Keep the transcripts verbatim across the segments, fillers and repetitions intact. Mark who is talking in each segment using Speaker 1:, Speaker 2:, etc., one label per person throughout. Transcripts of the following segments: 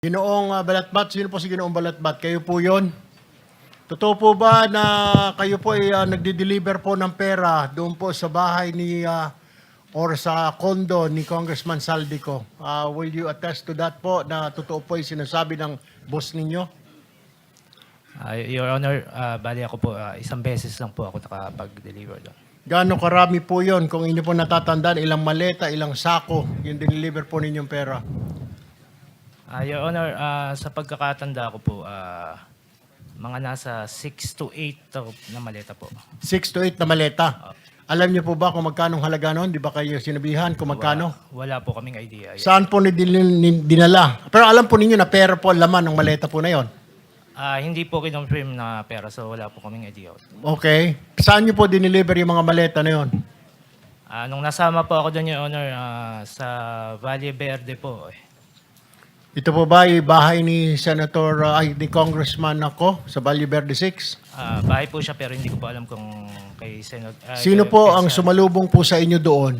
Speaker 1: Ginoong uh, Balatbat, sino po si Ginoong Balatbat? Kayo po yon? Totoo po ba na kayo po ay uh, nagde-deliver po ng pera doon po sa bahay ni uh, or sa condo ni Congressman Saldico? Uh, will you attest to that po na totoo po yung sinasabi ng boss ninyo?
Speaker 2: Uh, Your Honor, uh, bali ako po, uh, isang beses lang po ako nakapag-deliver doon.
Speaker 1: Gaano karami po yon? Kung inyo po natatandaan, ilang maleta, ilang sako yung deliver po ninyong pera?
Speaker 2: Uh, Your Honor, uh, sa pagkakatanda ko po, uh, mga nasa six to eight na maleta po.
Speaker 1: six to eight na maleta. Alam niyo po ba kung magkano halaga noon? Di ba kayo sinabihan kung magkano?
Speaker 2: Wala, wala po kaming idea.
Speaker 1: Saan po ni din- dinala? Pero alam po ninyo na pera po ang laman ng maleta po na yon.
Speaker 2: Uh, hindi po kinonfirm na pera, so wala po kaming idea.
Speaker 1: Okay. Saan niyo po dineliver yung mga maleta na yon?
Speaker 2: Uh, nung nasama po ako doon, Your Honor, uh, sa Valle Verde po. Eh.
Speaker 1: Ito po ba yung bahay ni Senator, uh, ay, ni Congressman ako sa Valle Verde six?
Speaker 2: Uh, bahay po siya pero hindi ko po alam kung kay Senate. Uh,
Speaker 1: Sino
Speaker 2: kay-
Speaker 1: po
Speaker 2: kay
Speaker 1: ang
Speaker 2: Sen-
Speaker 1: sumalubong po sa inyo doon?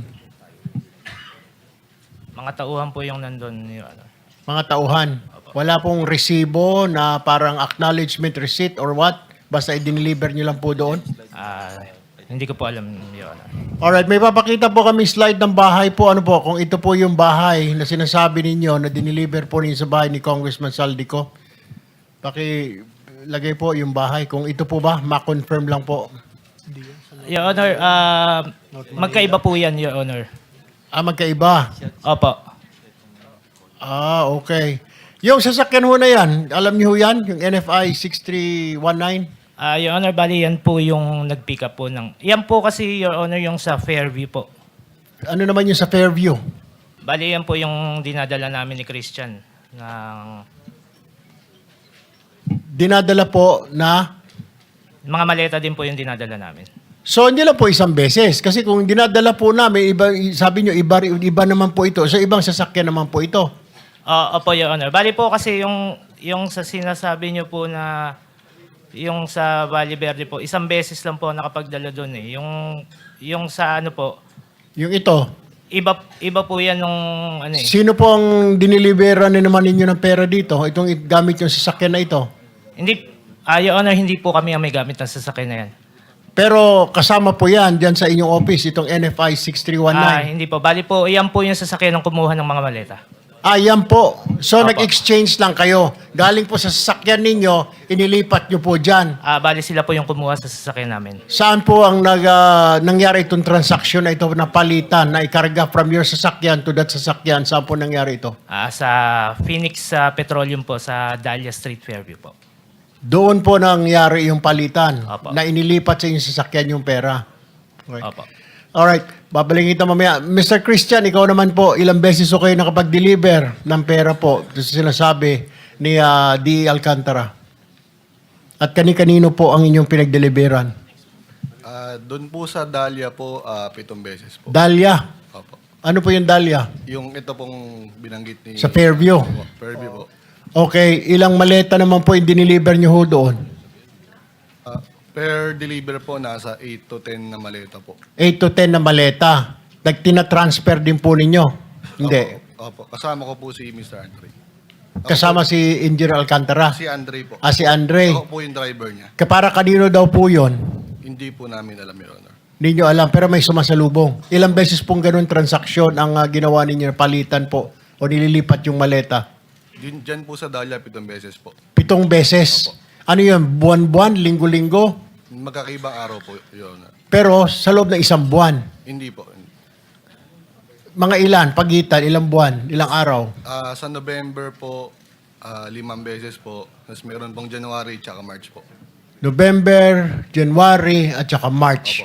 Speaker 2: Mga tauhan po yung nandun, Your Honor.
Speaker 1: Mga tauhan. Wala pong resibo na parang acknowledgement receipt or what? Basta i-deliver niyo lang po doon?
Speaker 2: Uh, hindi ko po alam, Your Honor.
Speaker 1: Alright, may papakita po kami slide ng bahay po. Ano po, kung ito po yung bahay na sinasabi ninyo na dineliver po ninyo sa bahay ni Congressman Saldico. Pakilagay po yung bahay. Kung ito po ba, ma-confirm lang po.
Speaker 2: Your Honor, uh, magkaiba po yan, Your Honor.
Speaker 1: Ah, magkaiba.
Speaker 2: Opo.
Speaker 1: Ah, okay. Yung sasakyan ho na yan, alam niyo ho yan? Yung N F I six three one nine?
Speaker 2: Uh, Your Honor, bali yan po yung nag-pick up po ng... Yan po kasi, Your Honor, yung sa Fairview po.
Speaker 1: Ano naman yung sa Fairview?
Speaker 2: Bali yan po yung dinadala namin ni Christian. Ng
Speaker 1: Dinadala po na...
Speaker 2: mga maleta din po yung dinadala namin.
Speaker 1: So, hindi lang po isang beses. Kasi kung dinadala po namin, iba, sabi nyo, iba, iba naman po ito. So, ibang sasakyan naman po ito.
Speaker 2: Uh, opo, Your Honor. Bali po kasi yung, yung sa sinasabi nyo po na yung sa Valle Verde po, isang beses lang po nakapagdala doon eh. Yung, yung sa ano po,
Speaker 1: Yung ito.
Speaker 2: iba, iba po yan nung ano eh.
Speaker 1: Sino po ang dinilibera na naman ninyo ng pera dito? Itong i- gamit yung sasakyan na ito.
Speaker 2: Hindi, uh, Your Honor, hindi po kami ang may gamit ng sasakyan na yan.
Speaker 1: Pero kasama po yan dyan sa inyong office, itong N F I six three one
Speaker 2: Ah,
Speaker 1: nine.
Speaker 2: hindi po. Bali po, iyan po yung sasakyan ng kumuha ng mga maleta.
Speaker 1: Ah, yan po. So,
Speaker 2: Apo.
Speaker 1: nag-exchange lang kayo. Galing po sa sasakyan ninyo, inilipat nyo po dyan.
Speaker 2: Ah, bali sila po yung kumuha sa sasakyan namin.
Speaker 1: Saan po ang nag, ah, nangyari itong transaction na ito na palitan, na ikarga from your sasakyan to that sasakyan? Saan po nangyari ito?
Speaker 2: Ah, sa Phoenix sa Petroleum po, sa Dahlia Street, Fairview po.
Speaker 1: Doon po nangyari yung palitan,
Speaker 2: Apo.
Speaker 1: na inilipat sa inyong sasakyan yung pera. Okay.
Speaker 2: Opo.
Speaker 1: Alright, babalikin kita mamaya. Mister Christian, ikaw naman po, ilang beses o kayo nakapag-deliver ng pera po? Ito sinasabi ni ah, D. Alcantara. At kani-kanino po ang inyong pinag-deliveran?
Speaker 3: Ah, doon po sa Dahlia po, ah, pitong beses po.
Speaker 1: Dahlia.
Speaker 3: Opo.
Speaker 1: Ano po yung Dahlia?
Speaker 3: Yung ito pong binanggit ni...
Speaker 1: Sa Fairview.
Speaker 3: Opo, Fairview po.
Speaker 1: Okay, ilang maleta naman po yung diniliver nyo ho doon?
Speaker 3: Ah, per deliver po, nasa eight to ten na maleta po.
Speaker 1: eight to ten na maleta. Nagtina-transfer din po ninyo? Hindi.
Speaker 3: Opo. Kasama ko po si Mister Andre. Ako
Speaker 1: Kasama
Speaker 3: po-
Speaker 1: si Engineer Alcantara.
Speaker 3: Si Andre po.
Speaker 1: Ah, si Andre.
Speaker 3: Ako po yung driver niya.
Speaker 1: Kapara kanino daw po yun?
Speaker 3: Hindi po namin alam, Your Honor.
Speaker 1: Hindi nyo alam, pero may sumasalubong. Ilang beses pong ganun transaksyon ang ah, ginawa ninyo, palitan po, o nililipat yung maleta?
Speaker 3: Din, dyan po sa Dahlia, pitong beses po.
Speaker 1: Pitong beses. Ano yun? Buwan-buwan? Linggo-linggo?
Speaker 3: Magkakaibang araw po, Your Honor.
Speaker 1: Pero sa loob ng isang buwan.
Speaker 3: Hindi po.
Speaker 1: Mga ilan? Pagitan? Ilang buwan? Ilang araw?
Speaker 3: Ah, sa November po, ah, limang beses po. Tapos meron pong January tsaka March po.
Speaker 1: November, January, at saka March.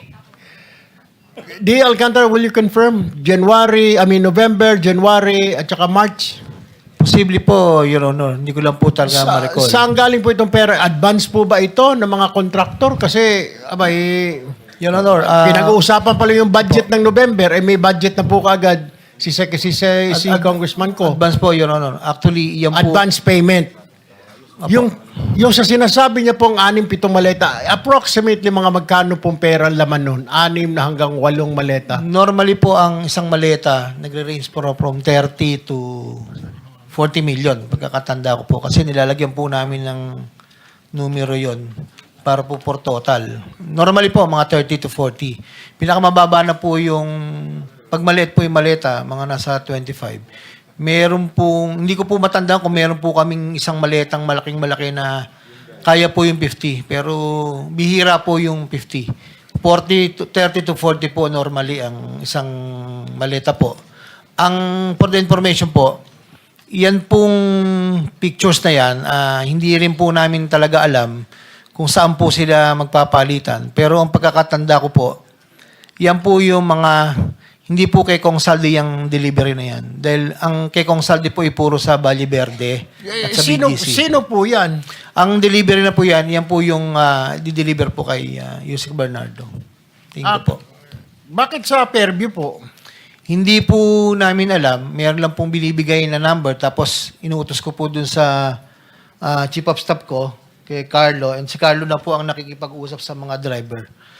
Speaker 1: D. Alcantara, will you confirm? January, I mean November, January, at saka March?
Speaker 4: Posible po, Your Honor. Hindi ko lang po talaga
Speaker 1: Sa,
Speaker 4: ma-recall.
Speaker 1: saan galing po itong pera? Advance po ba ito ng mga kontraktor? Kasi, abay,
Speaker 4: Your Honor, ah,
Speaker 1: pinag-uusapan pala yung budget ng November, eh may budget na po kaagad si, si, si, si, si
Speaker 4: ad-
Speaker 1: Congressman ko.
Speaker 4: advance po, Your Honor. Actually, yan po.
Speaker 1: Advance payment. Yung, yung sa sinasabi niya pong anim, pitong maleta, approximately mga magkano pong pera ang laman nun? Anim na hanggang walong maleta.
Speaker 4: Normally po, ang isang maleta, nagre-range po from thirty to forty million, pagkakatanda ko po. Kasi nilalagyan po namin ng numero yon para po for total. Normally po, mga thirty to forty. Pinakamababa na po yung, pag maliit po yung maleta, mga nasa twenty-five. Meron po, hindi ko po matandaan kung meron po kaming isang maletang malaking malaki na kaya po yung fifty. Pero bihira po yung fifty. forty to, thirty to forty po normally ang isang maleta po. Ang, for the information po, yan pong pictures na yan, ah, hindi rin po namin talaga alam kung saan po sila magpapalitan. Pero ang pagkakatanda ko po, yan po yung mga, hindi po kay Kong Saldi yung delivery na yan. Dahil ang kay Kong Saldi po ay puro sa Valle Verde at sa
Speaker 1: sino,
Speaker 4: B G C.
Speaker 1: sino po yan?
Speaker 4: Ang delivery na po yan, yan po yung ah, di-deliver po kay uh, Yusek Bernardo. Tingin
Speaker 1: Ah,
Speaker 4: ko po.
Speaker 1: Bakit sa Fairview po?
Speaker 4: Hindi po namin alam. Meron lang pong binibigay na number. Tapos inuutos ko po dun sa ah, chief of staff ko, kay Carlo. And si Carlo na po ang nakikipag-usap sa mga driver.